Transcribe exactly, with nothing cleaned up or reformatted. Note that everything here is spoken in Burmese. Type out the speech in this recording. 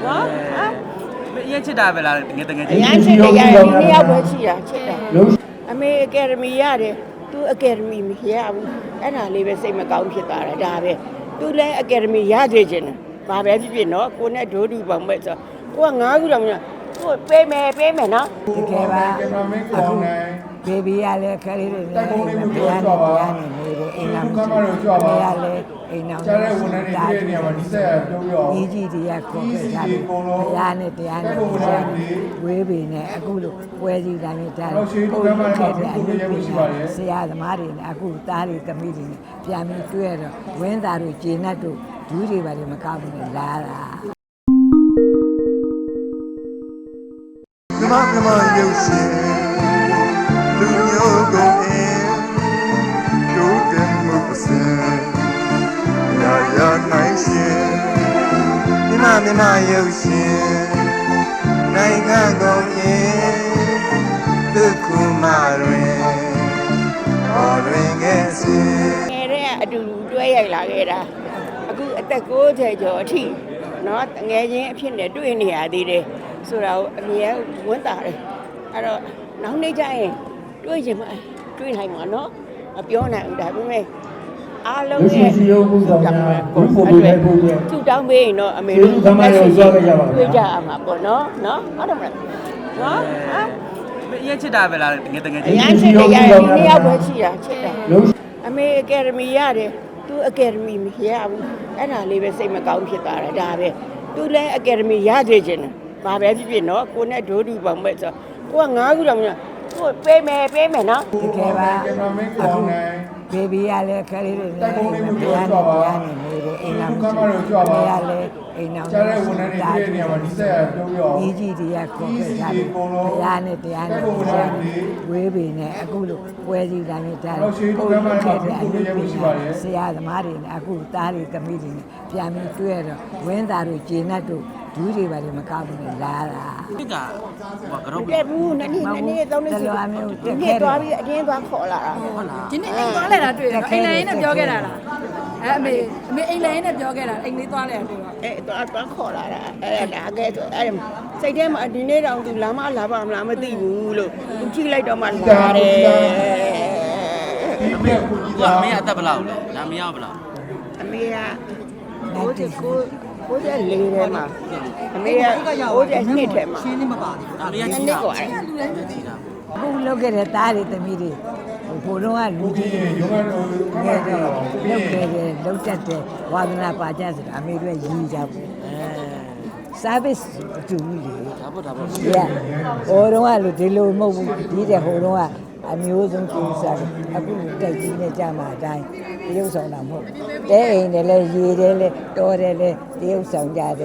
နော်အရင်ချစ်တာပဲလားငယ်တငယ်ချင်းအရင်ချစ်တယ်ရတယ်ဒီနှစ်ယောက်ပဲရှိတာချစ်တာအမေအကယ်ဒမီရတယ်သူအကယ်ဒမီမရဘူးအဲ့ဒါလေးပဲစိတ်မကောင်းဖြစ်သွားတာဒါပဲသူလည်းအကယ်ဒမီရသေးခြင်းဘာပဲဖြစ်ဖြစ်နော်ကိုနဲ့ဒိုးတူပေါင်းပဲဆိုကိုကငါးခုတော့မကိုပေးမယ်ပေးမယ်နော်တကယ်ပါအခုဘေဘီရလဲခလေးတွေလည်းဘုရားနဲ့တရားနဲ့နေတယ်အိမ်လာမရှိဘူးဘုရားလည်းအိမ်အောင်ကြားတဲ့ဝန်ထမ်းတွေတွေ့တဲ့နေရာမှာဒီဆက်ပြုံးရောကြီးကြီးတွေကခေါ်ခဲ့ကြတယ်ဘုရားနဲ့တရားနဲ့ဝေးပေနဲ့အခုလိုပွဲစည်းတိုင်းနဲ့တားတယ်ဘုရားခဲ့တဲ့အမှုတွေဆရာသမားတွေနဲ့အခုသားတွေသမီးတွေနဲ့ပြန်ပြီးတွေ့ရတော့ဝင်းသားတို့ဂျေနတ်တို့ဒူးတွေပါလေမကောက်ဘူးလာတာမြမမြမရုပ်ရှင်လူမျိုးကုန်အင်းဒုတင်မှုပစံရာရာနိုင်ရှင်မြမမြမရုပ်ရှင်နိုင်ငံကုန်အင်းဒုက္ခမတွင်ဟောတွင်ကဲ့စီငယ်တဲ့အတူတူတွဲရိုက်လာခဲ့တာအခုအသက်ကိုးဆယ်ကျော်အထိနော်ငယ်ချင်းအဖြစ်နဲ့တွေ့နေရသေးတယ်ဆိုတာကိုအမြဲဝန်းတာတယ်အဲ့တော့နောက်နေ့ကျရင်တွေ့ရင်မတွေ့နိုင်မှာနော်မပြောနိုင်ဘူးဒါပေမဲ့အားလုံးရဲ့စီရုံးမှုဆောင်များဒီပုံတွေနဲ့ပုံတွေသူတောင်းပေးရင်တော့အမေတို့သမารကိုကြွားခဲ့ကြပါမယ်တွေ့ကြရမှာပေါ့နော်နော်ဟုတ်တယ်မလားနော်ဟမ်အရင်ချစ်တာပဲလားငယ်တငယ်ချင်းအရင်ချစ်တယ်ရတယ်ဒီနှစ်ယောက်ပဲရှိတာချစ်တာအမေအကယ်ဒမီရတယ်သူအကယ်ဒမီမရဘူးအဲ့ဒါလေးပဲစိတ်မကောင်းဖြစ်သွားတာဒါပဲသူလည်းအကယ်ဒမီရသေးခြင်းဘာပဲဖြစ်ဖြစ်နော်ကိုနဲ့ဒိုးတူပေါင်းပဲဆိုကိုကငါးခုတော့မကိုပေးမယ်ပေးမယ်နော်တကယ်ပါအခုဘေဘီရလဲခလေးတွေလည်းဘုရားနဲ့တရားနဲ့နေတယ်အိမ်လာမရှိဘူးဘုရားလည်းအိမ်အောင်ကြားတဲ့ဝန်ထမ်းတွေတွေ့တဲ့နေရာမှာဒီဆက်ပြုံးရောကြီးကြီးတွေကခေါ်ခဲ့ကြတယ်ဘုရားနဲ့တရားနဲ့ဝေးပေနဲ့အခုလိုပွဲစည်းတိုင်းနဲ့တားတယ်ဘုရားခဲ့တဲ့အမှုတွေဆရာသမားတွေနဲ့အခုသားတွေသမီးတွေနဲ့ပြန်ပြီးတွေ့ရတော့ဝင်းသားတို့ဂျေနတ်တို့ဒူးတွေပါလေမကောက်ဘူးလာတာဒီကဟိုကတော့တဲ့ဘူးနှစ်နှစ်နှစ်နှစ်သုံးနှစ်စီဒီနေ့သွားပြီးအတင်းသွားခေါ်လာတာဟုတ်လားဒီနေ့အိမ်သွားလဲတာတွေ့ရအိမ်လိုင်းနဲ့ပြောခဲ့တာလားအဲအမေအမေအိမ်လိုင်းနဲ့ပြောခဲ့တာအိမ်လေးသွားလဲတာတွေ့တော့အဲသွားသွားခေါ်လာတာအဲဒါကဲဆိုအဲစိတ်ထဲမှာဒီနေ့တောင်သူလာမလာပါမလားမသိဘူးလို့သူကြည့်လိုက်တော့မှလာတယ်အမေကအမေအသက်ဘယ်လောက်လဲဒါမရဘယ်လောက်အမေကဘိုးကြီးကိုဘိုးကြီးလေးထဲမှာအမေကဘိုးကြီးနှစ်ထဲမှာရှင်းနေမပါဘူးအမေကကြီးတာကွာအခုလောက်ခဲ့တဲ့သားတွေသမီးတွေဘိုးတော်ကလူကြီးတွေရုံးကတော့ငယ်တယ်လောက်ခဲ့တယ်လောက်တတ်တယ်ဝါသနာပါကြဆိုတာအမေတို့ရည်ကြဘူးအဲ service အတူကြီးလေဒါပေါ့ဒါပေါ့ yeah ဟိုတော့ကလူဒီလိုမဟုတ်ဘူးဒီတဲ့ဟိုတော့ကအမျိုးဆုံးကျူးစားတယ်အခုတိုက်ကြီးနဲ့ကြာမှာအတိုင်းတရုပ်ဆောင်တာမဟုတ်တဲအိမ်နဲ့လဲရေတယ်လဲတော်တယ်လဲတရုပ်ဆောင်ကြတယ်